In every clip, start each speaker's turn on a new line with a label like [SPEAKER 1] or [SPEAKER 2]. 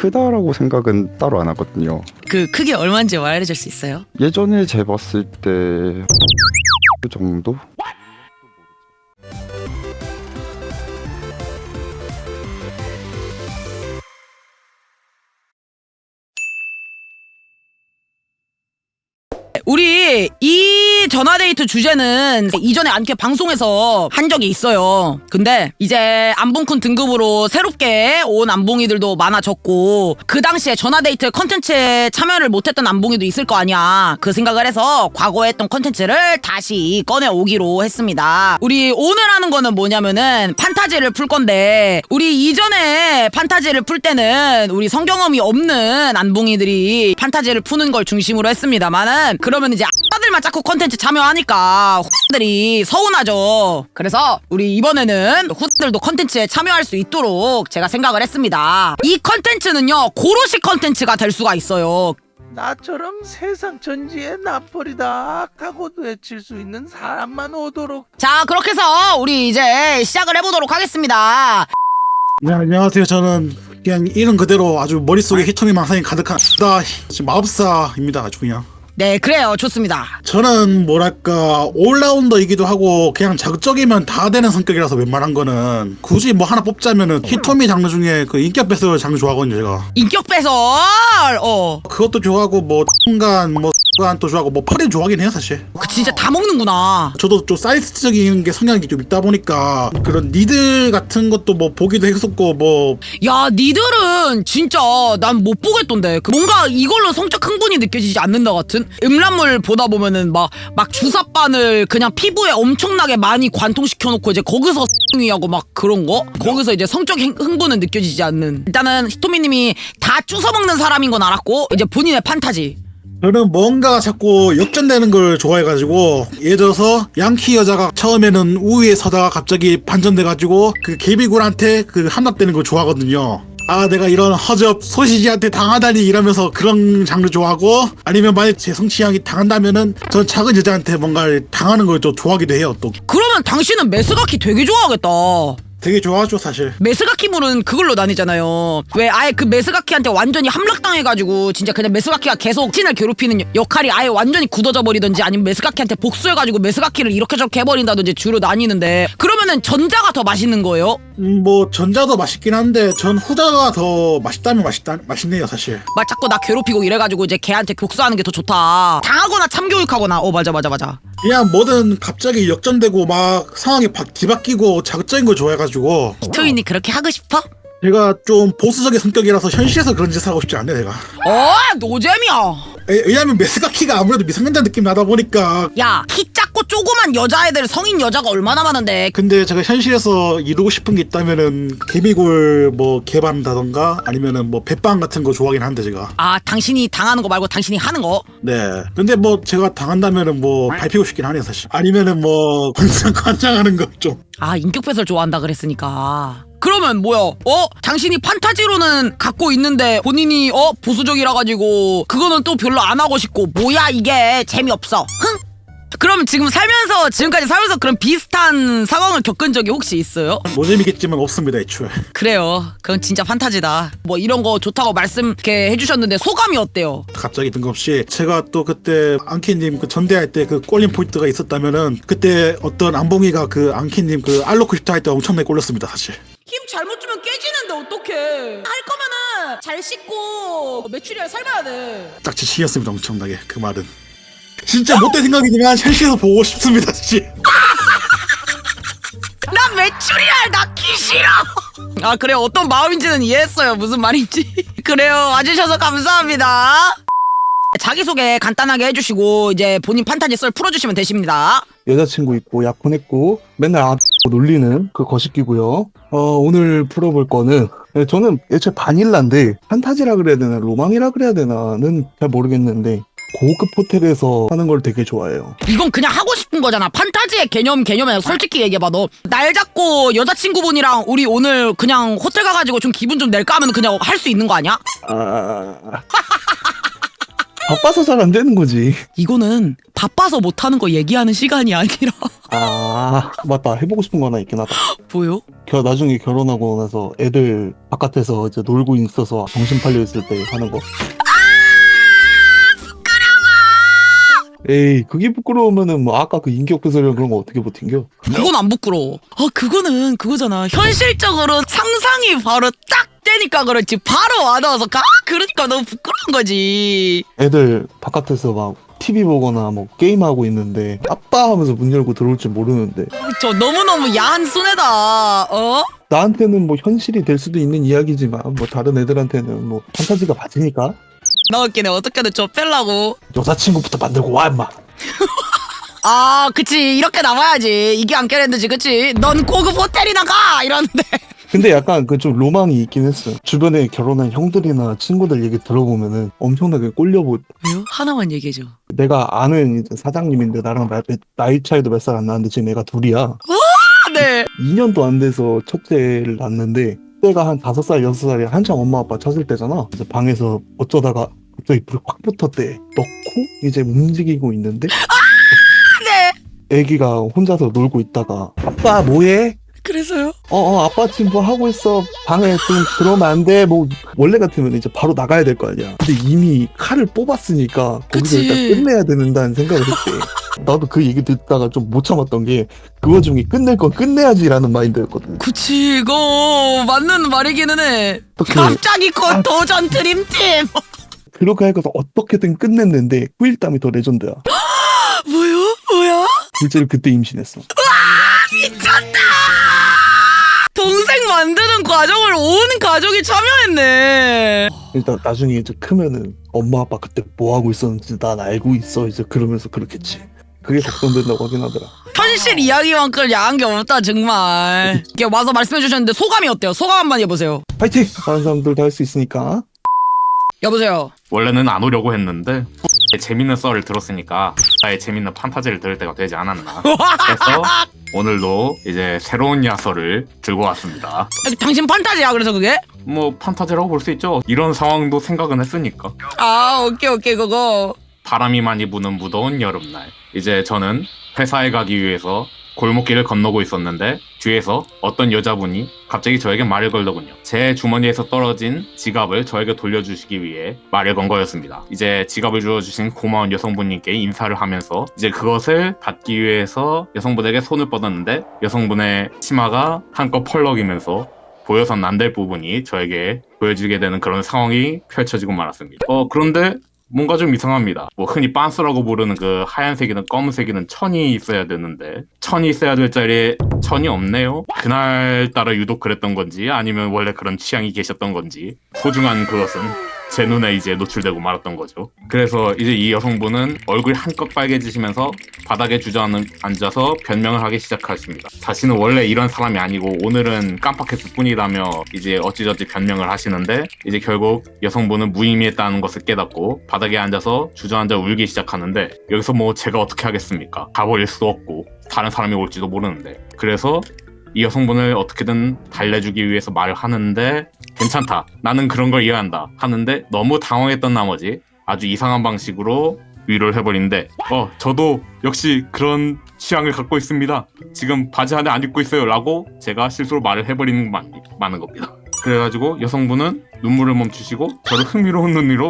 [SPEAKER 1] 크다라고 생각은 따로 안 하거든요.
[SPEAKER 2] 그 크기 얼마인지 말해줄 수 있어요?
[SPEAKER 1] 예전에 재봤을 때 그 정도?
[SPEAKER 2] 우리 이 전화데이트 주제는 이전에 안케 방송에서 한 적이 있어요. 근데 이제 안봉쿤 등급으로 새롭게 온 안봉이들도 많아졌고 그 당시에 전화데이트 컨텐츠에 참여를 못했던 안봉이도 있을 거 아니야. 그 생각을 해서 과거에 했던 컨텐츠를 다시 꺼내오기로 했습니다. 우리 오늘 하는 거는 뭐냐면은 판타지를 풀 건데 우리 이전에 판타지를 풀 때는 우리 성경험이 없는 안봉이들이 판타지를 푸는 걸 중심으로 했습니다만은 그러면 이제 아들만 자꾸 컨텐츠 참여하니까 후들이 서운하죠. 그래서 우리 이번에는 후들도 컨텐츠에 참여할 수 있도록 제가 생각을 했습니다. 이 컨텐츠는요 고로시 컨텐츠가 될 수가 있어요.
[SPEAKER 3] 나처럼 세상 전지의 나폴이다 하고도 외칠 수 있는 사람만 오도록.
[SPEAKER 2] 자 그렇게 해서 우리 이제 시작을 해보도록 하겠습니다.
[SPEAKER 4] 네, 안녕하세요. 저는 그냥 이름 그대로 아주 머릿속에 히토미 망상이 가득한 마법사입니다. 아주 그냥.
[SPEAKER 2] 네 그래요 좋습니다.
[SPEAKER 4] 저는 뭐랄까 올라운더이기도 하고 그냥 자극적이면 다 되는 성격이라서 웬만한 거는 굳이 뭐 하나 뽑자면은 히토미 장르 중에 그 인격 배설 장르 좋아하거든요. 제가
[SPEAKER 2] 인격 배설
[SPEAKER 4] 그것도 좋아하고 뭐 순간 뭐 또 좋아하고 뭐 펄이 좋아하긴 해요 사실.
[SPEAKER 2] 그 진짜 다 먹는구나.
[SPEAKER 4] 저도 좀 사이스적인 게 성향이 좀 있다 보니까 그런 니들 같은 것도 뭐 보기도 했었고 뭐
[SPEAKER 2] 야 니들은 진짜 난 못 보겠던데 뭔가 이걸로 성적 흥분이 느껴지지 않는다 같은 음란물 보다 보면은 막 주사바늘 그냥 피부에 엄청나게 많이 관통시켜놓고 이제 거기서 하고 막 그런 거 거기서 이제 성적 흥분은 느껴지지 않는. 일단은 히토미님이 다 주워먹는 사람인 건 알았고 이제 본인의 판타지.
[SPEAKER 4] 저는 뭔가 자꾸 역전되는 걸 좋아해가지고 예를 들어서 양키 여자가 처음에는 우위에 서다가 갑자기 반전돼가지고 그 개비굴한테 그 함락되는 걸 좋아하거든요. 아 내가 이런 허접 소시지한테 당하다니 이러면서 그런 장르 좋아하고 아니면 만약 제 성취향이 당한다면은 전 작은 여자한테 뭔가 당하는 걸 좀 좋아하기도 해요. 또
[SPEAKER 2] 그러면 당신은 메스가키 되게 좋아하겠다.
[SPEAKER 4] 되게 좋아하죠 사실.
[SPEAKER 2] 메스가키물은 그걸로 나뉘잖아요. 왜 아예 그 메스가키한테 완전히 함락당해가지고 진짜 그냥 메스가키가 계속 신을 괴롭히는 역할이 아예 완전히 굳어져 버리든지 아니면 메스가키한테 복수해가지고 메스가키를 이렇게 저렇게 해버린다든지 주로 나뉘는데 그러면은 전자가 더 맛있는 거예요?
[SPEAKER 4] 뭐 전자도 맛있긴 한데 전 후자가 더 맛있다면 맛있네요 사실.
[SPEAKER 2] 막 자꾸 나 괴롭히고 이래가지고 이제 걔한테 복수하는 게 더 좋다. 당하거나 참교육하거나 맞아.
[SPEAKER 4] 그냥 뭐든 갑자기 역전되고 막 상황이 뒤바뀌고 자극적인 걸 좋아해가지고.
[SPEAKER 2] 히토인이 그렇게 하고 싶어?
[SPEAKER 4] 제가 좀 보수적인 성격이라서 현실에서 그런 짓을 하고 싶지 않네 내가.
[SPEAKER 2] 노잼이야.
[SPEAKER 4] 왜냐면 메스가키가 아무래도 미성년자 느낌 나다 보니까.
[SPEAKER 2] 야 키 작고 조그만 여자애들 성인 여자가 얼마나 많은데.
[SPEAKER 4] 근데 제가 현실에서 이루고 싶은 게 있다면은 개미굴 뭐 개발한다던가 아니면은 뭐 배빵 같은 거 좋아하긴 한데 제가.
[SPEAKER 2] 아 당신이 당하는 거 말고 당신이 하는 거?
[SPEAKER 4] 네. 근데 뭐 제가 당한다면은 뭐 밟히고 싶긴 하네요 사실. 아니면은 뭐 관장하는 거 좀.
[SPEAKER 2] 아 인격 배설 좋아한다 그랬으니까. 그러면 뭐야? 당신이 판타지로는 갖고 있는데 본인이 보수적이라 가지고 그거는 또 별로 안 하고 싶고 뭐야 이게 재미없어. 흥? 그럼 지금까지 살면서 그런 비슷한 상황을 겪은 적이 혹시 있어요?
[SPEAKER 4] 노잼이겠지만 없습니다 애초에.
[SPEAKER 2] 그래요. 그건 진짜 판타지다. 뭐 이런 거 좋다고 말씀 이렇게 해주셨는데 소감이 어때요?
[SPEAKER 4] 갑자기 뜬금없이 제가 또 그때 앙키님 그 전대할 때 그 꼴린 포인트가 있었다면은 그때 어떤 안봉이가 그 앙키님 그 알로코 싶다 할 때 엄청나게 꼴렸습니다 사실.
[SPEAKER 2] 힘 잘못 주면 깨지는데 어떡해. 할 거면은 잘 씻고 메추리알 삶아야 돼.
[SPEAKER 4] 딱 지치였습니다 엄청나게 그 말은. 진짜 못된 생각이지만 현실에서 보고 싶습니다 사실.
[SPEAKER 2] 나 메추리알 낳기 싫어. 아 그래요. 어떤 마음인지는 이해했어요. 무슨 말인지. 그래요. 와주셔서 감사합니다. 자기소개 간단하게 해주시고 이제 본인 판타지 썰 풀어주시면 되십니다.
[SPEAKER 5] 여자친구 있고 약 보냈고 맨날 놀리는 그 거시기고요. 오늘 풀어볼 거는 저는 애초에 바닐라인데 판타지라 그래야 되나 로망이라 그래야 되나는 잘 모르겠는데 고급 호텔에서 하는 걸 되게 좋아해요.
[SPEAKER 2] 이건 그냥 하고 싶은 거잖아. 판타지의 개념에 솔직히 얘기해봐. 너 날 잡고 여자친구분이랑 우리 오늘 그냥 호텔 가가지고 좀 기분 좀 낼까 하면 그냥 할 수 있는 거 아니야?
[SPEAKER 5] 바빠서 잘 안 되는 거지.
[SPEAKER 2] 이거는 바빠서 못하는 거 얘기하는 시간이 아니라
[SPEAKER 5] 아, 맞다. 해보고 싶은 거 하나 있긴 하다.
[SPEAKER 2] 뭐요?
[SPEAKER 5] 나중에 결혼하고 나서 애들 바깥에서 이제 놀고 있어서 정신 팔려 있을 때 하는 거. 에이, 그게 부끄러우면은 뭐 아까 그 인격배설이랑 그런 거 어떻게 버틴겨?
[SPEAKER 2] 그건 안 부끄러워. 그거는 그거잖아. 현실적으로 상상이 바로 딱 되니까 그렇지. 바로 와닿아서 그러니까 너무 부끄러운 거지.
[SPEAKER 5] 애들 바깥에서 막 TV 보거나 뭐 게임하고 있는데 아빠 하면서 문 열고 들어올 줄 모르는데
[SPEAKER 2] 저 너무너무 야한 순애다.
[SPEAKER 5] 나한테는 뭐 현실이 될 수도 있는 이야기지만 뭐 다른 애들한테는 뭐 판타지가 맞으니까
[SPEAKER 2] 나 웃기네. 어떻게든 저 빼려고.
[SPEAKER 5] 여자친구부터 만들고 와 임마.
[SPEAKER 2] 그치. 이렇게 나와야지. 이게 안 깨랬는지, 그치? 넌 고급 호텔이나 가! 이러는데.
[SPEAKER 5] 근데 약간 그 좀 로망이 있긴 했어. 주변에 결혼한 형들이나 친구들 얘기 들어보면은 엄청나게 꼴려보.
[SPEAKER 2] 왜요? 하나만 얘기해줘.
[SPEAKER 5] 내가 아는 이제 사장님인데 나랑 나이 차이도 몇 살 안 나는데 지금 애가 둘이야.
[SPEAKER 2] 네.
[SPEAKER 5] 2년도 안 돼서 첫째를 낳았는데 때가 한 5살, 6살이 한창 엄마 아빠 찾을 때잖아. 그래서 방에서 어쩌다가 갑자기 불이 확 붙었대. 넣고 이제 움직이고 있는데
[SPEAKER 2] 네.
[SPEAKER 5] 애기가 혼자서 놀고 있다가 아빠 뭐해?
[SPEAKER 2] 그래서요?
[SPEAKER 5] 아빠 지금 뭐 하고 있어. 방에 좀 들어오면 안 돼. 뭐 원래 같으면 이제 바로 나가야 될 거 아니야. 근데 이미 칼을 뽑았으니까 거기서
[SPEAKER 2] 그치.
[SPEAKER 5] 일단 끝내야 된다는 생각을 했대. 나도 그 얘기 듣다가 좀 못 참았던 게 그 와중에 끝낼 건 끝내야지라는 마인드였거든.
[SPEAKER 2] 그치, 이거 맞는 말이기는 해.
[SPEAKER 5] 어떻게
[SPEAKER 2] 갑자기 곧 도전 드림팀.
[SPEAKER 5] 그렇게 해서 어떻게든 끝냈는데 후일담이 더 레전드야.
[SPEAKER 2] 뭐야?
[SPEAKER 5] 실제로 그때 임신했어.
[SPEAKER 2] 미쳤다! 동생 만드는 과정을 온 가족이 참여했네.
[SPEAKER 5] 일단 나중에 이제 크면은 엄마 아빠 그때 뭐 하고 있었는지 난 알고 있어 이제 그러면서 그렇겠지. 그게 걱정된다고 하긴 하더라.
[SPEAKER 2] 현실 이야기만큼 야한 게 없다 정말. 이렇게 와서 말씀해 주셨는데 소감이 어때요? 소감 한번 해보세요.
[SPEAKER 5] 파이팅! 다른 사람들도 할 수 있으니까.
[SPEAKER 2] 여보세요.
[SPEAKER 6] 원래는 안 오려고 했는데 재밌는 썰을 들었으니까 나의 재밌는 판타지를 들을 때가 되지 않았나. 그래서 오늘도 이제 새로운 야설을 들고 왔습니다.
[SPEAKER 2] 당신 판타지야 그래서 그게?
[SPEAKER 6] 뭐 판타지라고 볼 수 있죠. 이런 상황도 생각은 했으니까.
[SPEAKER 2] 오케이 그거.
[SPEAKER 6] 바람이 많이 부는 무더운 여름날, 이제 저는 회사에 가기 위해서 골목길을 건너고 있었는데 뒤에서 어떤 여자분이 갑자기 저에게 말을 걸더군요. 제 주머니에서 떨어진 지갑을 저에게 돌려주시기 위해 말을 건 거였습니다. 이제 지갑을 주어주신 고마운 여성분님께 인사를 하면서 이제 그것을 받기 위해서 여성분에게 손을 뻗었는데 여성분의 치마가 한껏 펄럭이면서 보여선 안 될 부분이 저에게 보여지게 되는 그런 상황이 펼쳐지고 말았습니다. 그런데 뭔가 좀 이상합니다. 뭐 흔히 빤스라고 부르는 그 하얀색이든 검은색이든 천이 있어야 되는데 천이 있어야 될 자리에 천이 없네요. 그날따라 유독 그랬던 건지 아니면 원래 그런 취향이 계셨던 건지 소중한 그것은 제 눈에 이제 노출되고 말았던 거죠. 그래서 이제 이 여성분은 얼굴이 한껏 빨개지시면서 바닥에 주저앉아서 변명을 하기 시작하십니다. 자신은 원래 이런 사람이 아니고 오늘은 깜빡했을 뿐이라며 이제 어찌저찌 변명을 하시는데 이제 결국 여성분은 무의미했다는 것을 깨닫고 바닥에 앉아서 주저앉아 울기 시작하는데 여기서 뭐 제가 어떻게 하겠습니까? 가버릴 수도 없고 다른 사람이 올지도 모르는데 그래서 이 여성분을 어떻게든 달래주기 위해서 말을 하는데 괜찮다, 나는 그런 걸 이해한다 하는데 너무 당황했던 나머지 아주 이상한 방식으로 위로를 해버리는데 저도 역시 그런 취향을 갖고 있습니다. 지금 바지 하나 안 입고 있어요 라고 제가 실수로 말을 해버리는 게 많은 겁니다. 그래가지고 여성분은 눈물을 멈추시고 저를 흥미로운 눈으로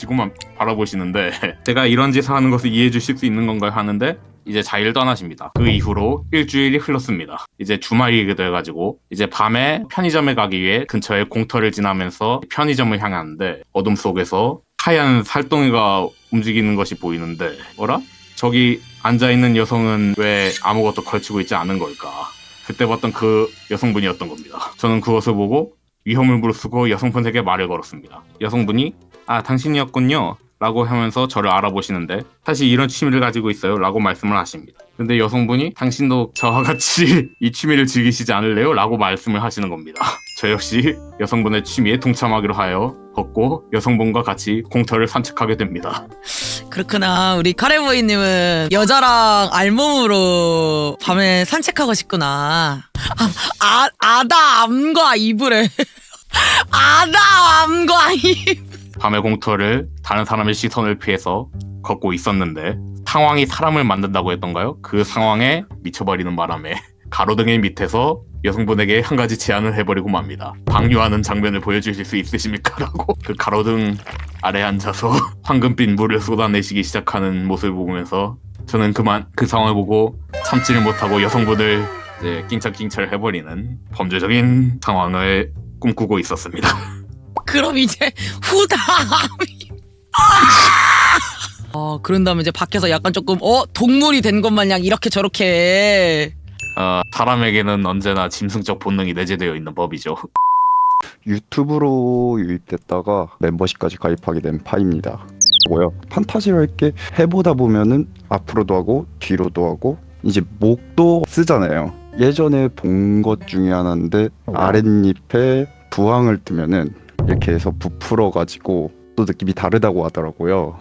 [SPEAKER 6] 바라보시는데 제가 이런 짓을 하는 것을 이해해 주실 수 있는 건가요 하는데 이제 자리를 떠나십니다. 그 이후로 일주일이 흘렀습니다. 이제 주말이 돼가지고 이제 밤에 편의점에 가기 위해 근처에 공터를 지나면서 편의점을 향하는데 어둠 속에서 하얀 살덩이가 움직이는 것이 보이는데 어라? 저기 앉아있는 여성은 왜 아무것도 걸치고 있지 않은 걸까? 그때 봤던 그 여성분이었던 겁니다. 저는 그것을 보고 위험을 무릅쓰고 여성분에게 말을 걸었습니다. 여성분이 당신이었군요 라고 하면서 저를 알아보시는데 사실 이런 취미를 가지고 있어요 라고 말씀을 하십니다. 근데 여성분이 당신도 저와 같이 이 취미를 즐기시지 않을래요? 라고 말씀을 하시는 겁니다. 저 역시 여성분의 취미에 동참하기로 하여 걷고 여성분과 같이 공터를 산책하게 됩니다.
[SPEAKER 2] 그렇구나. 우리 카레보이님은 여자랑 알몸으로 밤에 산책하고 싶구나. 아다 암과 이불에 아다 암과 이불.
[SPEAKER 6] 밤의 공터를 다른 사람의 시선을 피해서 걷고 있었는데 상황이 사람을 만든다고 했던가요? 그 상황에 미쳐버리는 바람에 가로등의 밑에서 여성분에게 한 가지 제안을 해버리고 맙니다. 방류하는 장면을 보여주실 수 있으십니까? 라고 그 가로등 아래 앉아서 황금빛 물을 쏟아내시기 시작하는 모습을 보면서 저는 그만 그 상황을 보고 참지를 못하고 여성분을 이제 낑찰낑찰 해버리는 범죄적인 상황을 꿈꾸고 있었습니다.
[SPEAKER 2] 그럼 이제 후담이 그런 다음에 이제 밖에서 약간 조금 동물이 된 것 마냥 이렇게 저렇게
[SPEAKER 6] 사람에게는 언제나 짐승적 본능이 내재되어 있는 법이죠.
[SPEAKER 1] 유튜브로 유입됐다가 멤버십까지 가입하게 된 파입니다. 판타지를 할게 해보다 보면은 앞으로도 하고 뒤로도 하고 이제 목도 쓰잖아요. 예전에 본 것 중에 하나인데 아랫잎에 부항을 뜨면은 이렇게 해서 부풀어 가지고 또 느낌이 다르다고 하더라고요.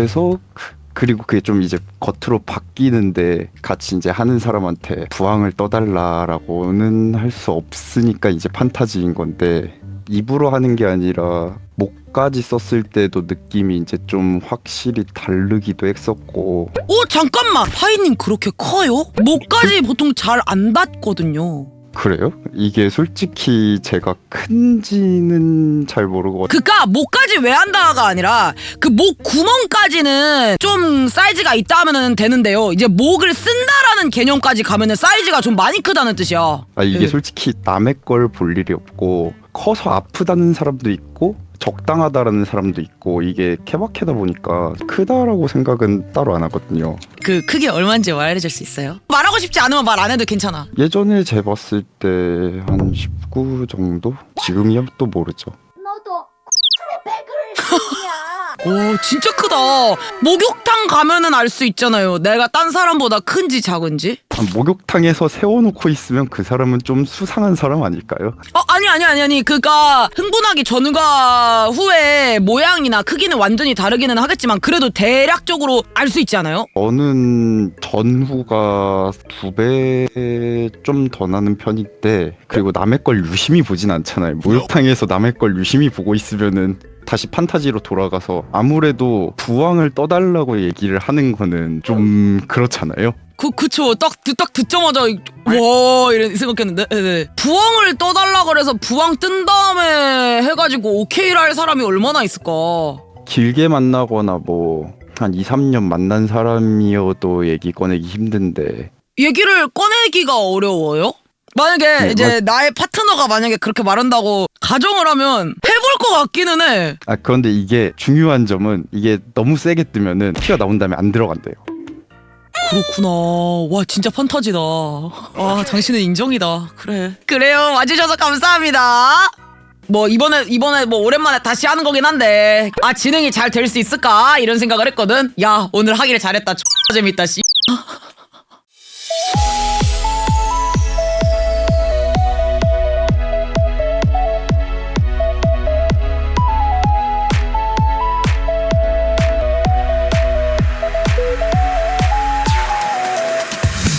[SPEAKER 1] 그리고 그게 좀 이제 겉으로 바뀌는데 같이 이제 하는 사람한테 부항을 떠달라라고는 할 수 없으니까 이제 판타지인 건데 입으로 하는 게 아니라 목까지 썼을 때도 느낌이 이제 좀 확실히 다르기도 했었고.
[SPEAKER 2] 잠깐만, 파이님 그렇게 커요? 목까지 보통 잘 안 닿거든요.
[SPEAKER 1] 그래요? 이게 솔직히 제가 큰지는 잘 모르고
[SPEAKER 2] 그니까 목까지 왜 한다가 아니라 그 목 구멍까지는 좀 사이즈가 있다 하면은 되는데요. 이제 목을 쓴다라는 개념까지 가면은 사이즈가 좀 많이 크다는 뜻이야.
[SPEAKER 1] 이게
[SPEAKER 2] 네.
[SPEAKER 1] 솔직히 남의 걸 볼 일이 없고 커서 아프다는 사람도 있고 적당하다라는 사람도 있고 이게 케바케다 보니까 크다라고 생각은 따로 안 하거든요.
[SPEAKER 2] 그 크기 얼마인지 말해줄 수 있어요? 말하고 싶지 않으면 말 안 해도 괜찮아.
[SPEAKER 1] 예전에 재봤을 때 한 19 정도? 지금이야 또 모르죠.
[SPEAKER 7] 너도 백을 했냐?
[SPEAKER 2] 오, 진짜 크다. 목욕탕 가면은 알 수 있잖아요. 내가 딴 사람보다 큰지 작은지.
[SPEAKER 1] 목욕탕에서 세워놓고 있으면 그 사람은 좀 수상한 사람 아닐까요?
[SPEAKER 2] 아니. 그니까 흥분하기 전과 후에 모양이나 크기는 완전히 다르기는 하겠지만 그래도 대략적으로 알 수 있지 않아요?
[SPEAKER 1] 저는 전후가 2배 좀 더 나는 편인데 그리고 남의 걸 유심히 보진 않잖아요. 목욕탕에서 남의 걸 유심히 보고 있으면은 다시 판타지로 돌아가서 아무래도 부항을 떠달라고 얘기를 하는 거는 좀 그렇잖아요.
[SPEAKER 2] 그쵸. 딱 듣자마자 와 이런 생각했는데. 네. 부항을 떠달라 그래서 부항 뜬 다음에 해가지고 오케이를 할 사람이 얼마나 있을까.
[SPEAKER 1] 길게 만나거나 뭐 한 2, 3년 만난 사람이어도 얘기 꺼내기 힘든데
[SPEAKER 2] 얘기를 꺼내기가 어려워요? 만약에
[SPEAKER 1] 네,
[SPEAKER 2] 이제 나의 파트너가 만약에 그렇게 말한다고 가정을 하면 해볼 것 같기는 해.
[SPEAKER 1] 그런데 이게 중요한 점은 이게 너무 세게 뜨면은 피가 나온 다음에 안 들어간대요.
[SPEAKER 2] 그렇구나. 와 진짜 판타지다. 아 당신은 인정이다. 그래요. 와주셔서 감사합니다. 뭐 이번에 뭐 오랜만에 다시 하는 거긴 한데 진행이 잘 될 수 있을까 이런 생각을 했거든. 야 오늘 하기를 잘했다. X 재밌다. 씨